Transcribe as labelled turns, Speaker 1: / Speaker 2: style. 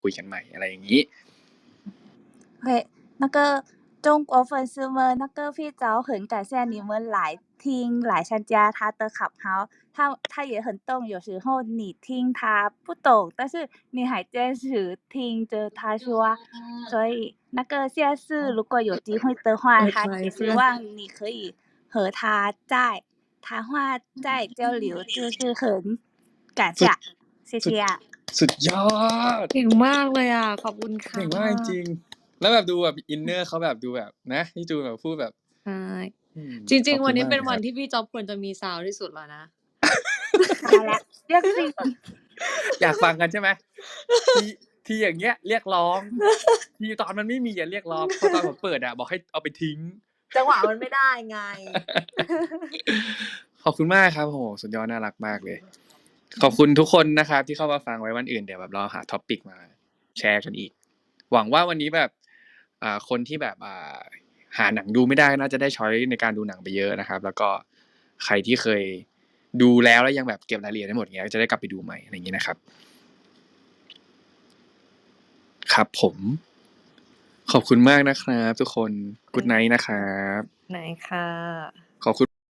Speaker 1: คุยกันใหม่อะไรอย่างนี้
Speaker 2: 对，那个中国粉丝们，那个非常很感谢你们来听来参加他的Clubhouse，他也很懂，有时候你听他不懂，但是你还坚持听着他说，所以那个下次如果有机会的话，他也希望你可以和他在谈话再交流，就是很感谢，谢谢啊。
Speaker 1: สุดยอด
Speaker 3: เก่งมากเลยอ่ะขอบคุณค่ะ
Speaker 1: เก่งมากจริงแล้วแบบดูแบบอินเนอร์เขาแบบดูแบบนะพี่จูนแบบพูดแบบ
Speaker 3: ใช่จริงๆวันนี้เป็นวันที่พี่จ๊อบควรจะมีซาวด์ที่สุดแล้วนะ
Speaker 2: ตายแล้วเรียกสิ
Speaker 1: อยากฟังกันใช่ไหมที่อย่างเงี้ยเรียกร้องที่ตอนมันไม่มีอย่าเรียกร้องพอตอนผมเปิดบอกให้เอาไปทิ้ง
Speaker 3: จังหวะมันไม่ได้ไง
Speaker 1: ขอบคุณมากครับโหสุดยอดน่ารักมากเลยขอบคุณทุกคนนะครับที่เข้ามาฟังไว้วันอื่นเดี๋ยวแบบเราหาท็อปิกมาแชร์กันอีกหวังว่าวันนี้แบบคนที่แบบหาหนังดูไม่ได้น่าจะได้ช้อยในการดูหนังไปเยอะนะครับแล้วก็ใครที่เคยดูแล้วยังแบบเก็บรายละเอียดได้หมดเงี้ยจะได้กลับไปดูใหม่อะไรอย่างนี้นะครับครับผมขอบคุณมากนะครับทุกคนกู๊ดไนท์นะครับ
Speaker 3: ไหนค่ะ